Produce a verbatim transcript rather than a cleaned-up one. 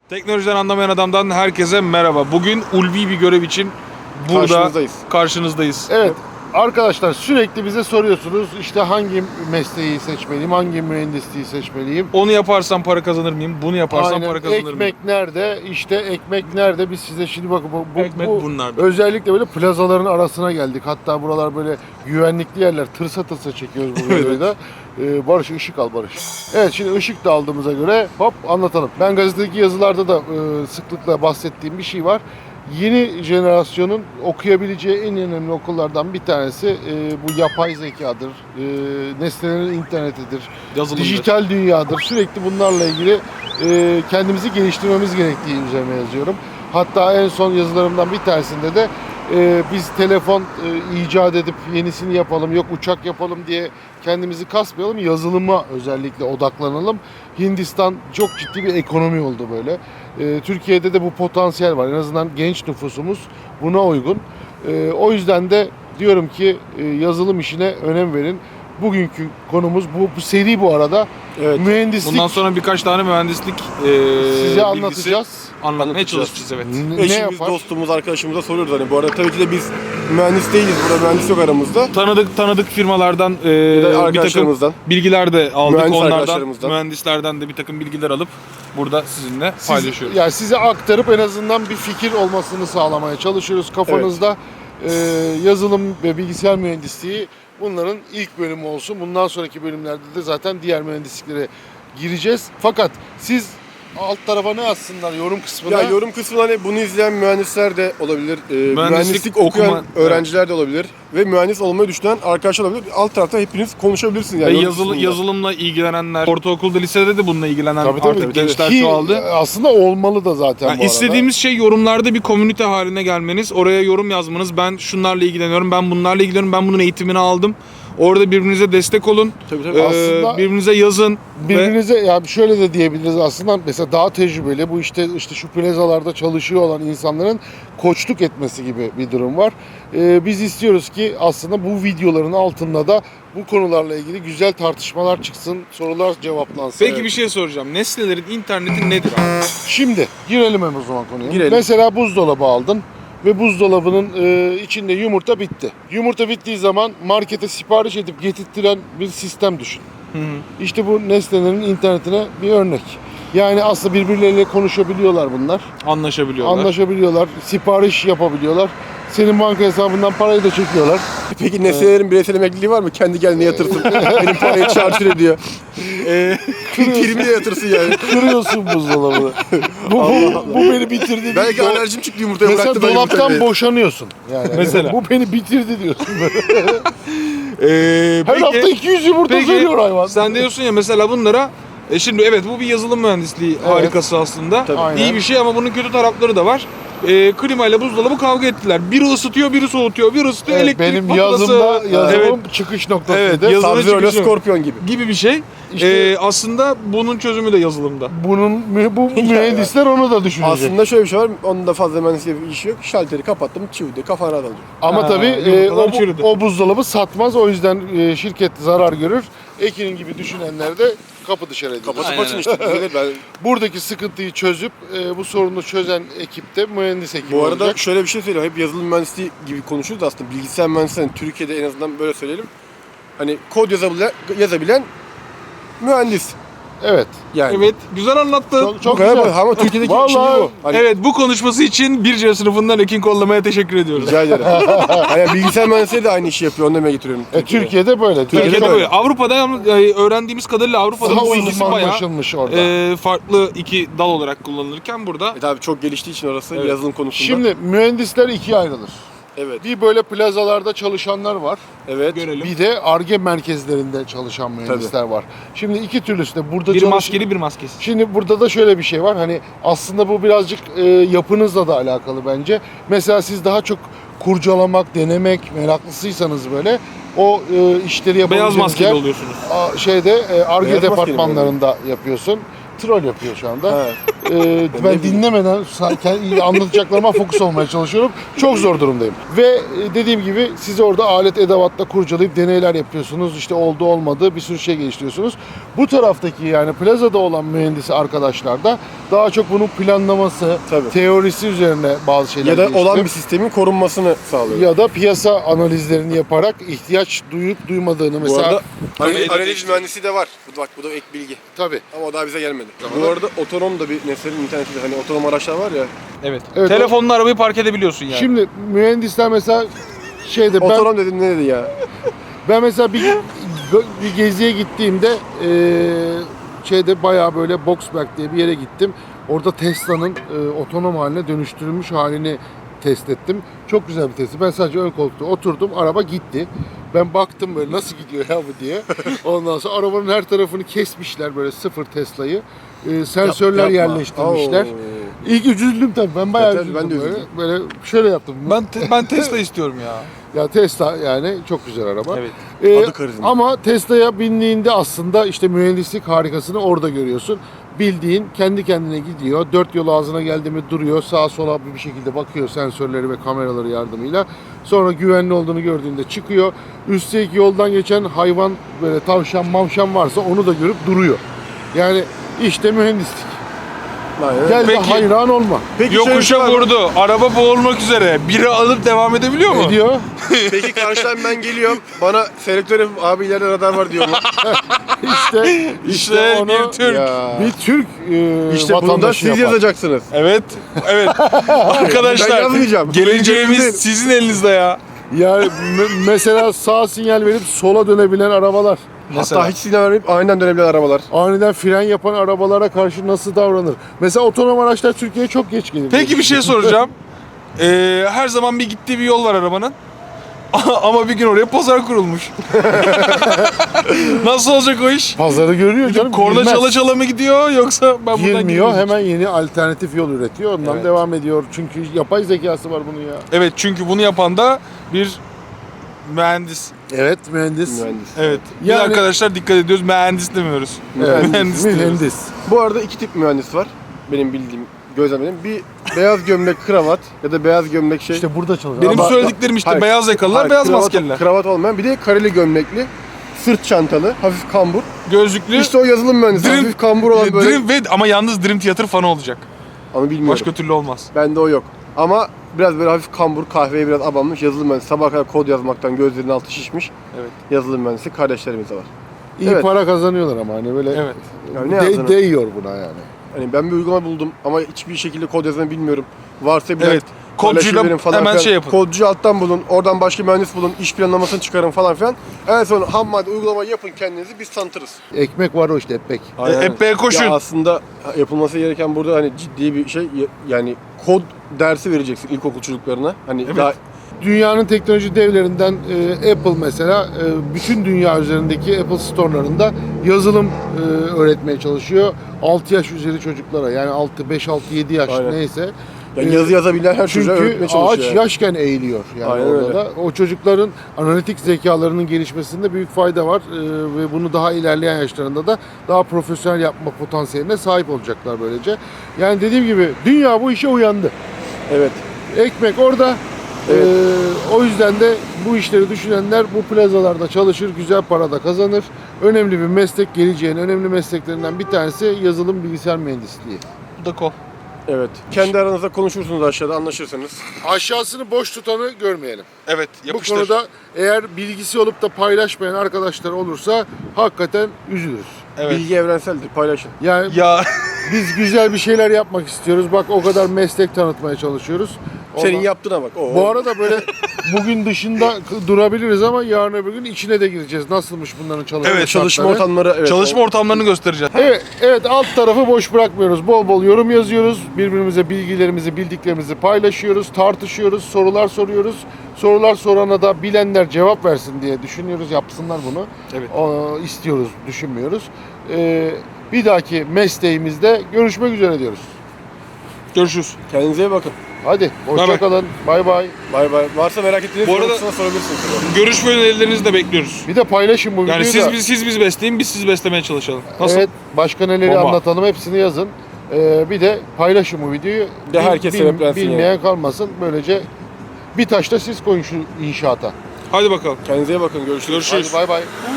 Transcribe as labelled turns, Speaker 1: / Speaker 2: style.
Speaker 1: Teknolojiden anlamayan adamdan herkese merhaba. Bugün ulvi bir görev için burada
Speaker 2: Karşınızdayız.
Speaker 1: karşınızdayız.
Speaker 3: Evet arkadaşlar, sürekli bize soruyorsunuz işte hangi mesleği seçmeliyim, hangi mühendisliği seçmeliyim.
Speaker 1: Onu yaparsam para kazanır mıyım? Bunu yaparsam
Speaker 3: Aynen.
Speaker 1: para kazanır mıyım?
Speaker 3: Ekmek nerede? İşte ekmek nerede? Biz size şimdi bakın bu, bu,
Speaker 1: Ekmek
Speaker 3: bu
Speaker 1: bunlarda.
Speaker 3: özellikle böyle plazaların arasına geldik. Hatta buralar böyle güvenlikli yerler. Tırsa tırsa çekiyoruz bu videoyu da. Ee, Barış ışık al Barış. Evet, şimdi ışık da aldığımıza göre hop anlatalım. Ben gazetedeki yazılarda da e, sıklıkla bahsettiğim bir şey var. Yeni jenerasyonun okuyabileceği en önemli okullardan bir tanesi e, bu yapay zekadır, e, nesnelerin internetidir,
Speaker 1: Yazılımdır.
Speaker 3: dijital dünyadır. Sürekli bunlarla ilgili e, kendimizi geliştirmemiz gerektiği üzerine yazıyorum. Hatta en son yazılarımdan bir tanesinde de e, biz telefon e, icat edip yenisini yapalım, yok uçak yapalım diye kendimizi kasmayalım, yazılıma özellikle odaklanalım. Hindistan çok ciddi bir ekonomi oldu böyle. E, Türkiye'de de bu potansiyel var. En azından genç nüfusumuz buna uygun. E, o yüzden de diyorum ki e, yazılım işine önem verin. Bugünkü konumuz bu, bu seri bu arada.
Speaker 2: Evet.
Speaker 3: Mühendislik.
Speaker 1: Bundan sonra birkaç tane mühendislik e,
Speaker 3: size
Speaker 1: bilgisi
Speaker 3: anlatacağız.
Speaker 1: anlatmaya
Speaker 2: Anlatacağız.
Speaker 1: çalışacağız, evet.
Speaker 3: N- ne
Speaker 2: Eşimiz,
Speaker 3: yapar?
Speaker 2: dostumuz, arkadaşımıza soruyoruz hani. Bu arada tabii ki de biz mühendis değiliz. Burada mühendis yok aramızda.
Speaker 1: Tanıdık tanıdık firmalardan e,
Speaker 2: Bir de
Speaker 1: bir takım
Speaker 2: arkadaşlarımızdan.
Speaker 1: bilgiler de aldık.
Speaker 2: Mühendis
Speaker 1: Onlardan,
Speaker 2: arkadaşlarımızdan.
Speaker 1: mühendislerden de bir takım bilgiler alıp burada sizinle
Speaker 3: Siz-
Speaker 1: paylaşıyoruz.
Speaker 3: Yani size aktarıp en azından bir fikir olmasını sağlamaya çalışıyoruz kafanızda. Ee, yazılım ve bilgisayar mühendisliği bunların ilk bölümü olsun. Bundan sonraki bölümlerde de zaten diğer mühendisliklere gireceğiz. Fakat siz alt tarafa ne yazsınlar yorum kısmına?
Speaker 2: Ya yorum kısmında hani bunu izleyen mühendisler de olabilir. e, mühendislik,
Speaker 1: okuma-
Speaker 2: okuyan öğrenciler de olabilir. Ve mühendis olmayı düşünen arkadaşlar olabilir. Alt tarafta hepiniz konuşabilirsiniz. Yani
Speaker 1: Ve
Speaker 2: yorum
Speaker 1: yazılı,
Speaker 2: kısmında.
Speaker 1: yazılımla ilgilenenler, ortaokulda, lisede de bununla ilgilenen
Speaker 3: Tabii, tabii,
Speaker 1: artık
Speaker 3: tabii.
Speaker 1: gençler
Speaker 3: Ki
Speaker 1: çoğaldı.
Speaker 3: aslında olmalı da zaten
Speaker 1: Yani
Speaker 3: bu arada.
Speaker 1: istediğimiz şey yorumlarda bir komünite haline gelmeniz, oraya yorum yazmanız. Ben şunlarla ilgileniyorum, ben bunlarla ilgileniyorum, ben bunun eğitimini aldım. Orada birbirinize destek olun.
Speaker 2: Tabii, tabii.
Speaker 1: Ee,
Speaker 3: Aslında
Speaker 1: birbirinize yazın. Ve
Speaker 3: Birbirinize yani şöyle de diyebiliriz aslında, mesela daha tecrübeli bu işte işte şu plazalarda çalışıyor olan insanların koçluk etmesi gibi bir durum var. Ee, biz istiyoruz ki aslında bu videoların altında da bu konularla ilgili güzel tartışmalar çıksın, sorular cevaplansın.
Speaker 1: peki bir şey soracağım. Nesnelerin interneti nedir abi?
Speaker 3: Şimdi girelim hemen o zaman konuya.
Speaker 2: Girelim.
Speaker 3: Mesela buzdolabı aldın ve buzdolabının e, içinde yumurta bitti. Yumurta bittiği zaman markete sipariş edip getirtiren bir sistem düşün.
Speaker 1: Hı hı.
Speaker 3: İşte bu nesnelerin internetine bir örnek. Yani aslında birbirleriyle konuşabiliyorlar bunlar.
Speaker 1: Anlaşabiliyorlar.
Speaker 3: Anlaşabiliyorlar, sipariş yapabiliyorlar. Senin banka hesabından parayı da çekiyorlar.
Speaker 2: Peki nesnelerin bireysel emekliliği var mı? Kendi kendine yatırsın. Benim parayı çarçur ediyor. Eee primi de yatırsın yani.
Speaker 3: Kırıyorsun buzdolabını. bu, bu, bu beni bitirdi.
Speaker 2: Belki
Speaker 3: diyor.
Speaker 2: alerjim çıktı yumurtaya
Speaker 3: Mesela
Speaker 2: bıraktı. ben
Speaker 3: dolaptan
Speaker 2: yumurtayı.
Speaker 3: boşanıyorsun. Yani
Speaker 1: Mesela.
Speaker 3: bu beni bitirdi diyorsun.
Speaker 1: Ee,
Speaker 3: Her hafta
Speaker 1: peki,
Speaker 3: iki yüz yumurta
Speaker 1: peki
Speaker 3: söylüyor hayvan.
Speaker 1: sen diyorsun ya mesela bunlara e şimdi evet bu bir yazılım mühendisliği harikası aslında.
Speaker 2: Tabii.
Speaker 3: Aynen.
Speaker 1: İyi bir şey ama bunun kötü tarafları da var. E, klima ile buzdolabı kavga ettiler. Biri ısıtıyor, biri soğutuyor, biri ısıtıyor,
Speaker 3: Evet,
Speaker 1: elektrik
Speaker 3: benim
Speaker 1: faturası.
Speaker 3: yazımda yazımım
Speaker 1: Evet,
Speaker 3: çıkış noktasıydı.
Speaker 1: Evet, yazı- Yazılı
Speaker 2: Sub-Zero ile
Speaker 1: çıkışı.
Speaker 2: Scorpion gibi.
Speaker 1: gibi bir şey.
Speaker 3: İşte-
Speaker 1: E, aslında bunun çözümü de yazılımda.
Speaker 3: Bunun mü- bu mühendisler onu da düşünecek.
Speaker 2: Aslında şöyle bir şey var. Onun da fazla mühendisliğe bir işi yok. Şalteri kapattım, çivdi, kafana rahat alacak.
Speaker 3: Ama
Speaker 1: Ha,
Speaker 3: tabii e,
Speaker 1: yumurtalar
Speaker 3: o, bu-
Speaker 1: çürüdü.
Speaker 3: o buzdolabı satmaz. O yüzden e, şirket zarar görür. Ekin'in gibi düşünenler de kapı dışarı edilir.
Speaker 2: Kapatıp
Speaker 1: Aynen.
Speaker 2: açın işte. Düzelir. Ben...
Speaker 3: Buradaki sıkıntıyı çözüp e, bu sorunu çözen ekip de mühendis ekibi
Speaker 2: Bu arada
Speaker 3: olacak.
Speaker 2: şöyle bir şey söyleyeyim. Hep yazılım mühendisliği gibi konuşuyoruz da aslında bilgisayar mühendisliği hani Türkiye'de en azından böyle söyleyelim. Hani kod yazabilen, yazabilen mühendis.
Speaker 3: Evet.
Speaker 2: Yani.
Speaker 1: Evet, güzel anlattın.
Speaker 3: Çok, çok
Speaker 2: Bu kadar
Speaker 3: güzel.
Speaker 2: bu. Ama Türkiye'deki
Speaker 3: Vallahi-
Speaker 2: şimdi bu. Hani
Speaker 1: Evet, bu konuşması için bir C sınıfından Ekin Kollama'ya teşekkür ediyoruz.
Speaker 2: rica ederim. hani bilgisayar mühendisliği de aynı işi yapıyor. Onu demeye getiriyorum.
Speaker 3: E, Türkiye'de böyle.
Speaker 2: Türkiye'de
Speaker 1: Türkiye'de
Speaker 2: böyle.
Speaker 1: böyle. Avrupa'da yalnız, e, öğrendiğimiz kadarıyla Avrupa'da
Speaker 3: Daha
Speaker 1: bu ikisi bayağı
Speaker 3: uzmanlaşılmış orada.
Speaker 1: e, farklı iki dal olarak kullanılırken burada
Speaker 2: E tabii çok geliştiği için orası
Speaker 1: Evet.
Speaker 2: yazılım konusunda.
Speaker 3: Şimdi mühendisler ikiye ayrılır.
Speaker 2: Evet.
Speaker 3: Bir böyle plazalarda çalışanlar var.
Speaker 2: Evet.
Speaker 1: görelim.
Speaker 3: Bir de Ar-Ge merkezlerinde çalışan mühendisler var. Şimdi iki türlüsü de burada
Speaker 1: Bir
Speaker 3: çalış-
Speaker 1: maskeli bir maskesiz.
Speaker 3: Şimdi burada da şöyle bir şey var. Hani aslında bu birazcık e, yapınızla da alakalı bence. Mesela siz daha çok kurcalamak, denemek meraklısıysanız böyle o e, işleri yapabileceğiniz
Speaker 1: Beyaz maskeli
Speaker 3: yer,
Speaker 1: oluyorsunuz.
Speaker 3: a, şeyde e, Ar-Ge
Speaker 2: Beyaz maskeli mi
Speaker 3: departmanlarında yapıyorsun. troll yapıyor şu anda.
Speaker 2: Ha.
Speaker 3: Ee, ben
Speaker 2: bileyim.
Speaker 3: dinlemeden sa- anlatacaklarıma fokus olmaya çalışıyorum. Çok zor durumdayım. Ve e, dediğim gibi siz orada alet edevatla kurcalayıp deneyler yapıyorsunuz. İşte oldu olmadı bir sürü şey geliştiriyorsunuz. Bu taraftaki yani plazada olan mühendisi arkadaşlar da daha çok bunun planlaması,
Speaker 2: Tabii.
Speaker 3: teorisi üzerine bazı şeyler
Speaker 2: Ya da olan
Speaker 3: geliştirip-
Speaker 2: bir sistemin korunmasını sağlıyor.
Speaker 3: ya da piyasa analizlerini yaparak ihtiyaç duyup duymadığını
Speaker 2: Bu
Speaker 3: mesela
Speaker 2: arada analiz,
Speaker 1: Medya
Speaker 2: analiz
Speaker 1: geçti.
Speaker 2: mühendisi de var. Bu, bak bu da ek bilgi.
Speaker 3: tabii.
Speaker 2: Ama o daha bize gelmedi.
Speaker 3: Tamam.
Speaker 2: Bu arada otonom da bir Nesne'nin internetinde hani otonom araçlar var ya.
Speaker 1: Evet.
Speaker 3: Evet,
Speaker 1: Telefonla arabayı park edebiliyorsun yani.
Speaker 3: Şimdi mühendisler mesela şeyde ben
Speaker 2: Otonom dedim ne dedi ya?
Speaker 3: ben mesela bir bir geziye gittiğimde eee, şeyde bayağı böyle Boxberg diye bir yere gittim. Orada Tesla'nın eee, otonom haline dönüştürülmüş halini test ettim. Çok güzel bir testti. Ben sadece ön koltukta oturdum. Araba gitti. Ben baktım böyle nasıl gidiyor ya bu diye. Ondan sonra arabanın her tarafını kesmişler böyle sıfır Tesla'yı. Eee, sensörler
Speaker 2: Yapma.
Speaker 3: yerleştirmişler.
Speaker 2: Oo.
Speaker 3: İlk üzüldüm tabii. Ben bayağı
Speaker 2: Evet,
Speaker 3: üzüldüm
Speaker 2: ben de
Speaker 3: böyle.
Speaker 2: üzüldüm.
Speaker 3: Böyle şöyle yaptım.
Speaker 1: Ben te- ben Tesla istiyorum ya.
Speaker 3: Ya Tesla yani çok güzel araba.
Speaker 1: Evet.
Speaker 3: Ee,
Speaker 2: Adı karizma.
Speaker 3: ama Tesla'ya bindiğinde aslında işte mühendislik harikasını orada görüyorsun. Bildiğin kendi kendine gidiyor. Dört yol ağzına geldi mi duruyor. Sağa sola bir şekilde bakıyor sensörleri ve kameraları yardımıyla. Sonra güvenli olduğunu gördüğünde çıkıyor. Üstelik yoldan geçen hayvan böyle tavşan mavşan varsa onu da görüp duruyor. Yani işte mühendislik.
Speaker 2: Aynen.
Speaker 3: Gel de
Speaker 1: Peki.
Speaker 3: hayran olma.
Speaker 2: Peki şöyle bir şey
Speaker 1: Yokuşa
Speaker 2: var mı?
Speaker 1: vurdu. Araba boğulmak üzere. Biri alıp devam edebiliyor mu?
Speaker 3: Ediyor.
Speaker 2: Peki karşıdan ben geliyorum. Bana selektör yapıp abi ileride radar var diyor mu?
Speaker 3: İşte
Speaker 1: İşte
Speaker 3: onu
Speaker 1: bir Türk.
Speaker 2: Ya.
Speaker 3: bir Türk e,
Speaker 2: İşte bunu da
Speaker 3: vatandaşı
Speaker 2: siz
Speaker 3: yapar.
Speaker 2: yazacaksınız.
Speaker 1: Evet. Evet.
Speaker 2: Ben
Speaker 1: Arkadaşlar
Speaker 2: yazmayacağım.
Speaker 1: geleceğimiz
Speaker 2: Değil.
Speaker 1: sizin elinizde ya.
Speaker 3: Yani me- mesela sağ sinyal verip sola dönebilen arabalar,
Speaker 1: Mesela.
Speaker 2: Hatta hiç sinyal vermeyip aniden dönebilen arabalar.
Speaker 3: aniden fren yapan arabalara karşı nasıl davranır? Mesela otonom araçlar Türkiye'ye çok geç gelir.
Speaker 1: Peki bir şey soracağım. Ee, her zaman bir gittiği bir yol var arabanın. Ama bir gün oraya pazar kurulmuş. Nasıl olacak o iş?
Speaker 3: Pazarı görüyor canım.
Speaker 1: Korna
Speaker 3: girmez.
Speaker 1: çala çala mı gidiyor yoksa ben buradan
Speaker 3: Girmiyor,
Speaker 1: girmiyorum.
Speaker 3: hemen yeni alternatif yol üretiyor. Ondan
Speaker 2: Evet.
Speaker 3: devam ediyor. Çünkü yapay zekası var bunun ya.
Speaker 1: Evet, çünkü bunu yapan da bir mühendis.
Speaker 3: Evet, mühendis.
Speaker 2: Mühendis.
Speaker 1: Evet. Biz
Speaker 3: Yani-
Speaker 1: arkadaşlar dikkat ediyoruz. Mühendis demiyoruz.
Speaker 3: Evet,
Speaker 1: Mühendis diyoruz.
Speaker 3: mühendis.
Speaker 2: Bu arada iki tip mühendis var. Benim bildiğim, gözlemledim. Bir beyaz gömlek kravat ya da beyaz gömlek şey.
Speaker 3: İşte burada çalışıyor.
Speaker 1: Benim
Speaker 3: Ama-
Speaker 1: söylediklerim işte
Speaker 2: Hayır,
Speaker 1: beyaz yakalılar,
Speaker 2: hayır,
Speaker 1: beyaz
Speaker 2: kravat,
Speaker 1: maskeliler.
Speaker 2: Kravat olmayan bir de kareli gömlekli, sırt çantalı, hafif kambur.
Speaker 1: Gözlüklü.
Speaker 2: İşte o yazılım mühendisi.
Speaker 1: Dream-
Speaker 2: hafif kambur olan böyle.
Speaker 1: Dream ve ama yalnız Dream Theater fanı olacak.
Speaker 2: Onu bilmiyorum.
Speaker 1: Başka türlü olmaz.
Speaker 2: Bende o yok. Ama biraz böyle hafif kambur, kahveye biraz abanmış yazılım mühendisi. Sabah kadar kod yazmaktan gözlerinin altı şişmiş.
Speaker 1: Evet.
Speaker 2: Yazılım mühendisi kardeşlerimiz de var.
Speaker 3: İyi
Speaker 2: Evet.
Speaker 3: para kazanıyorlar ama hani böyle
Speaker 1: Evet.
Speaker 2: Yani ne
Speaker 3: de-
Speaker 2: yazdığını-
Speaker 3: değiyor buna yani.
Speaker 2: Hani ben bir uygulama buldum ama hiçbir şekilde kod yazmayı bilmiyorum. Varsa bilen
Speaker 1: Evet. Kodcuyla
Speaker 2: paylaşın falan
Speaker 1: hemen
Speaker 2: filan.
Speaker 1: şey yapın.
Speaker 2: Kodcu alttan bulun, oradan başka mühendis bulun, iş planlamasını çıkarın falan filan. En son ham madde uygulamayı yapın kendinizi, biz tanıtırız.
Speaker 3: Ekmek var o işte ekmek.
Speaker 1: E, epey koşun.
Speaker 2: Ya aslında yapılması gereken burada hani ciddi bir şey, yani kod dersi vereceksin ilkokul çocuklarına. Hani
Speaker 1: Evet.
Speaker 2: daha
Speaker 3: Dünyanın teknoloji devlerinden e, Apple mesela e, bütün dünya üzerindeki Apple store'larında yazılım e, öğretmeye çalışıyor. altı yaş üzeri çocuklara yani altı, beş, altı, yedi yaş
Speaker 2: Aynen.
Speaker 3: neyse.
Speaker 2: yani
Speaker 3: E,
Speaker 2: yazı yazabilen her çocuğa
Speaker 3: Çünkü
Speaker 2: öğretmeye
Speaker 3: ağaç
Speaker 2: çalışıyor. yani.
Speaker 3: yaşken eğiliyor yani
Speaker 2: Aynen
Speaker 3: orada
Speaker 2: öyle.
Speaker 3: da. O çocukların analitik zekalarının gelişmesinde büyük fayda var E, ve bunu daha ilerleyen yaşlarında da daha profesyonel yapma potansiyeline sahip olacaklar böylece. Yani dediğim gibi dünya bu işe uyandı.
Speaker 2: Evet.
Speaker 3: Ekmek orada.
Speaker 2: Evet.
Speaker 3: Ee, o yüzden de bu işleri düşünenler bu plazalarda çalışır, güzel para da kazanır. Önemli bir meslek, geleceğin önemli mesleklerinden bir tanesi yazılım bilgisayar mühendisliği.
Speaker 1: Bu da kol.
Speaker 2: Evet. Kendi aranızda konuşursunuz aşağıda, anlaşırsınız.
Speaker 3: Aşağısını boş tutanı görmeyelim.
Speaker 1: Evet,
Speaker 3: Bu
Speaker 1: yapıştır.
Speaker 3: konuda eğer bilgisi olup da paylaşmayan arkadaşlar olursa hakikaten üzülürüz.
Speaker 1: Evet.
Speaker 2: Bilgi evrenseldir, paylaşın.
Speaker 3: Yani
Speaker 1: Ya
Speaker 3: biz güzel bir şeyler yapmak istiyoruz. Bak o kadar meslek tanıtmaya çalışıyoruz.
Speaker 2: Senin
Speaker 3: Ondan-
Speaker 2: yaptığına bak. Oo.
Speaker 3: Bu arada böyle bugün dışında k- durabiliriz ama yarın öbür gün içine de gireceğiz. Nasılmış bunların çalışma
Speaker 1: Evet,
Speaker 2: çalışma
Speaker 3: şartları?
Speaker 2: ortamları, evet.
Speaker 1: çalışma ortamlarını göstereceğiz.
Speaker 3: Evet, evet alt tarafı boş bırakmıyoruz. Bol bol yorum yazıyoruz. Birbirimize bilgilerimizi, bildiklerimizi paylaşıyoruz, tartışıyoruz, sorular soruyoruz. Sorular sorana da bilenler cevap versin diye düşünüyoruz. Yapsınlar bunu.
Speaker 1: Evet.
Speaker 3: O, istiyoruz, düşünmüyoruz. Ee, bir dahaki mesleğimizde görüşmek üzere diyoruz.
Speaker 1: Görüşürüz.
Speaker 2: Kendinize iyi bakın.
Speaker 3: Hadi hoşçakalın. Bay bay.
Speaker 2: Bay bay. Varsa merak ettiğiniz
Speaker 1: Bu arada-
Speaker 2: sorusuna sorabilirsiniz.
Speaker 1: Görüş ve önerilerinizi de bekliyoruz.
Speaker 3: Bir de paylaşın bu videoyu
Speaker 1: Yani siz
Speaker 3: da.
Speaker 1: biz siz biz besleyin, biz siz beslemeye çalışalım. Nasıl?
Speaker 3: Evet, başka neleri
Speaker 1: Bomba.
Speaker 3: anlatalım hepsini yazın. Ee, bir de paylaşın bu videoyu.
Speaker 2: De herkes
Speaker 3: Bil-
Speaker 2: sebeplensin
Speaker 3: Bilmeyen
Speaker 2: yani.
Speaker 3: kalmasın. Böylece bir taşta siz koyun şu inşaata.
Speaker 1: Hadi bakalım.
Speaker 2: Kendinize iyi bakın. Görüşürüz.
Speaker 1: Görüşürüz.
Speaker 3: Hadi bay bay.